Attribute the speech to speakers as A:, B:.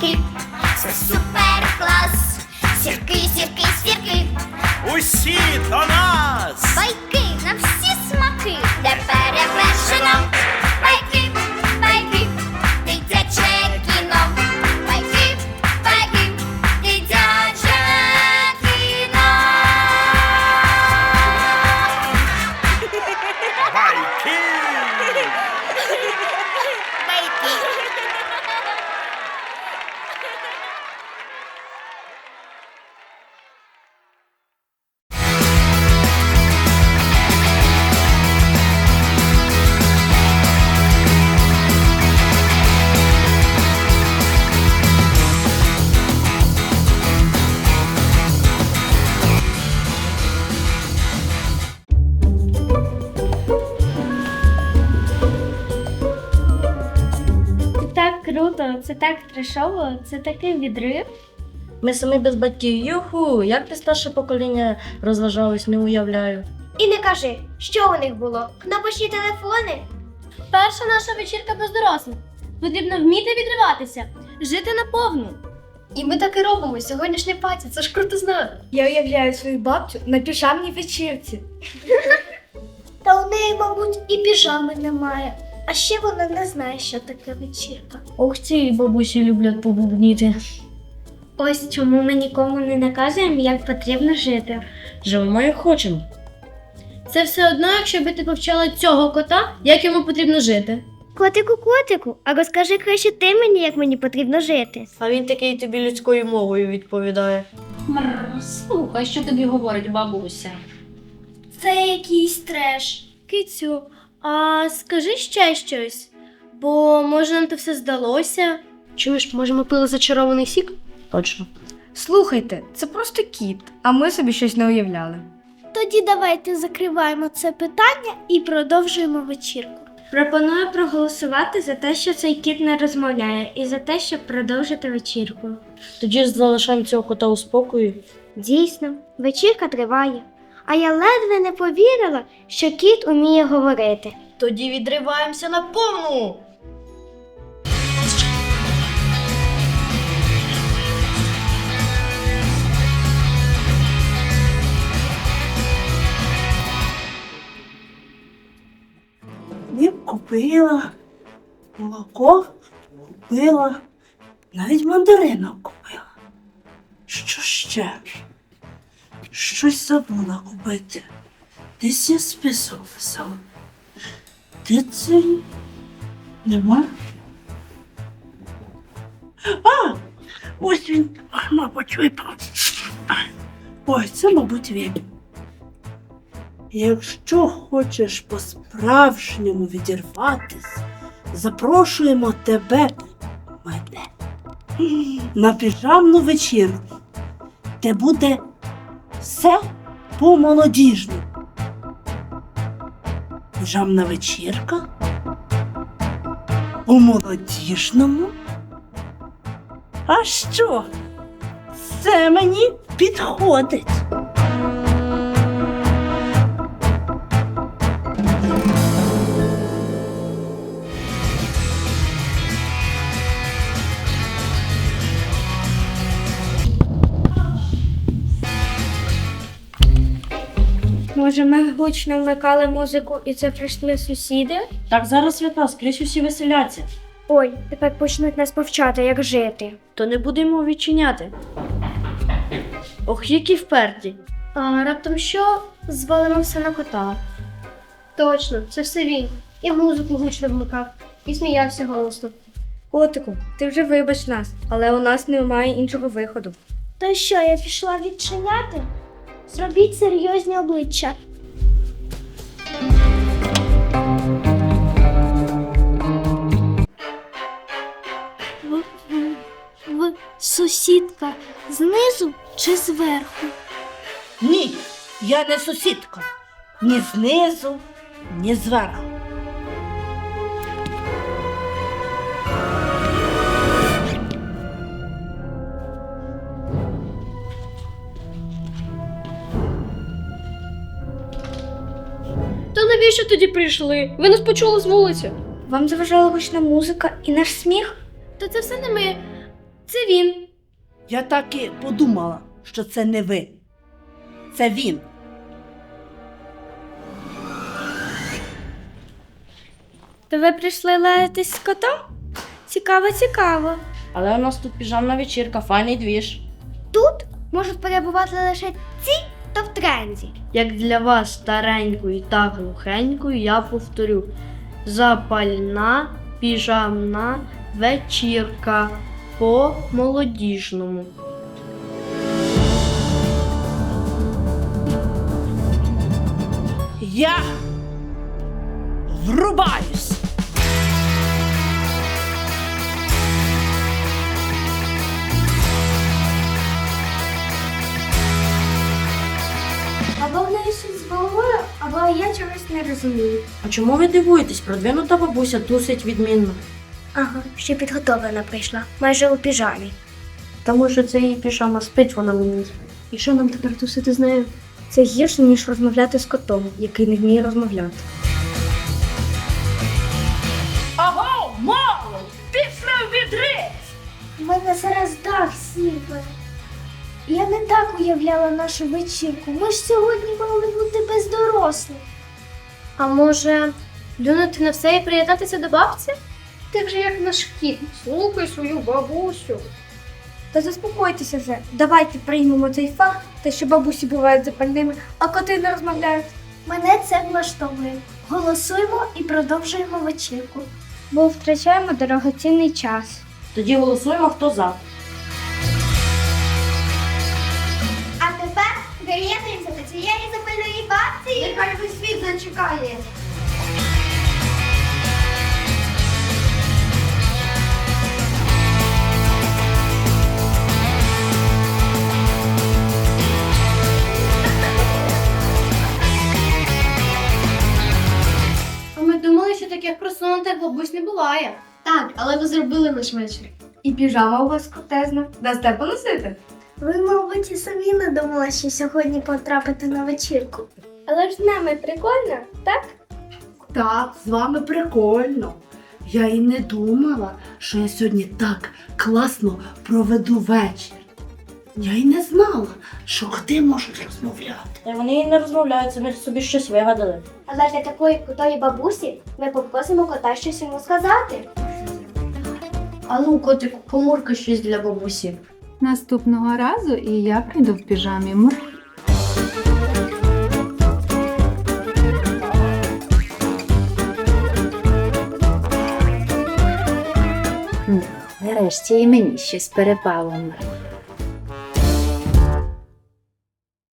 A: сірки, це супер клас. Сірки, сірки, сірки,
B: Усі до нас!
A: байки на всі смаки, де перевершено. Байки, байки, дитяче кіно. Байки, байки, дитяче кіно.
B: Байки!
C: Це так круто, це так трешово, це такий відрив.
D: Ми самі без батьків. Юху, як ти старше покоління розважалось, не уявляю.
A: І не кажи, що у них було? Кнопочні телефони?
C: Перша наша вечірка без дорослих. Потрібно вміти відриватися, жити наповну.
E: І ми так і робимо. Сьогоднішня паті, це ж круто знати.
C: Я уявляю свою бабцю на піжамній вечірці.
A: Та у неї, мабуть, і піжами немає. А ще вона не знає, що таке вечірка.
D: Ох, ці бабусі люблять побубніти.
C: Ось чому ми нікому не наказуємо, як потрібно жити.
D: Живемо як хочемо.
C: Це все одно, якщо би ти повчала цього кота, як йому потрібно жити.
A: Котику, а розкажи краще ти мені, як мені потрібно жити.
D: А він такий тобі людською мовою відповідає.
E: Слухай, що тобі говорить бабуся.
C: Це якийсь треш. Кицю, а скажи ще щось, бо може нам то все здалося.
E: Чуєш, може ми пили зачарований сік?
D: Точно.
F: Слухайте, це просто кіт, а ми собі щось не уявляли.
A: Тоді давайте закриваємо це питання і продовжуємо вечірку.
C: Пропоную проголосувати за те, що цей кіт не розмовляє, і за те, щоб продовжити вечірку.
D: Тоді ж залишаємо цього кота у спокої.
A: Дійсно, вечірка триває. А я ледве не повірила, що кіт уміє говорити.
D: Тоді відриваємося на повну.
G: Хліб купила, молоко купила, навіть мандаринок купила. Що ще? Щось забула купити. Десь я список писала. Де це? Нема? А! Ось він, мабуть, випав. Ой, це, мабуть, він. Якщо хочеш по-справжньому відірватись, запрошуємо тебе, мене, на піжамну вечірку, де буде все по-молодіжному. Піжамна вечірка? По-молодіжному? А що? Це мені підходить.
C: Може, ми гучно вмикали музику і це прийшли сусіди?
D: Так зараз свята, скрізь усі веселяться.
C: Ой, тепер почнуть нас повчати, як жити.
D: То не будемо відчиняти. Ох, які вперті.
C: А раптом що? Звалимо все на кота.
E: Точно, це все він. І музику гучно вмикав, і сміявся голосно.
F: Котику, ти вже вибач нас, але у нас немає іншого виходу.
A: То що, я пішла відчиняти? Зробіть серйозні обличчя. Сусідка знизу чи зверху?
G: Ні, я не сусідка. Ні знизу, ні зверху.
E: То навіщо тоді прийшли? Ви нас почули з вулиці.
C: Вам заважала гучна музика і наш сміх?
E: Та це все не ми.
C: Це він.
G: Я так і подумала, що це не ви. Це він.
C: То ви прийшли лаятись з котом? Цікаво, цікаво.
D: Але у нас тут піжамна вечірка, файний двіж.
A: Тут можуть перебувати лише ці, хто в тренді.
D: Як для вас старенькою та глухенькою, я повторю: запальна піжамна вечірка по молодіжному.
G: Я врубаюсь.
A: Або в неї щось з головою, або я чогось не розумію.
D: А чому ви дивуєтесь? Продвинута бабуся тусить відмінно.
A: Ага, ще підготовлена прийшла, майже у піжамі.
D: Та може це її піжама спить, вона мені.
E: І що нам тепер тусити з нею?
F: Це гірше, ніж розмовляти з котом, який не вміє розмовляти.
G: Аго, мало! Пішли в відри!
A: У мене зараз дах сіпе. Я не так уявляла нашу вечірку. Ми ж сьогодні мали бути без дорослих.
C: А може, плюнути на все і приєднатися до бабці?
E: Ти вже як наш кіт. Слухай свою бабусю.
F: Та заспокойтеся вже. Давайте приймемо цей факт, те, що бабусі бувають запальними, а коти не розмовляють.
A: Мене це влаштовує. Голосуємо і продовжуємо вечірку.
F: Бо втрачаємо дорогоцінний час.
D: Тоді голосуємо, хто за.
A: А тепер приєднуємося до цієї запальної бабці. Нехай весь світ зачекає.
C: А ми думали, що таких просунутих бабусь не буває.
E: Так, але ви зробили наш вечір.
F: І піжама у вас крутезна. Дасте поносити?
A: Ви, мабуть, і самі не думали, що сьогодні потрапити на вечірку.
C: Але ж з нами прикольно, так?
G: Так, з вами прикольно. Я і не думала, що я сьогодні так класно проведу вечір. Я й не знала, що коти можуть розмовляти.
D: Та вони і не розмовляють, самі собі щось вигадали.
A: Але для такої крутої бабусі ми попросимо кота щось йому сказати.
D: А ну, котику, помурка щось для бабусі.
H: Наступного разу і я прийду в піжамі. Мур.
I: Нарешті і мені щось перепало.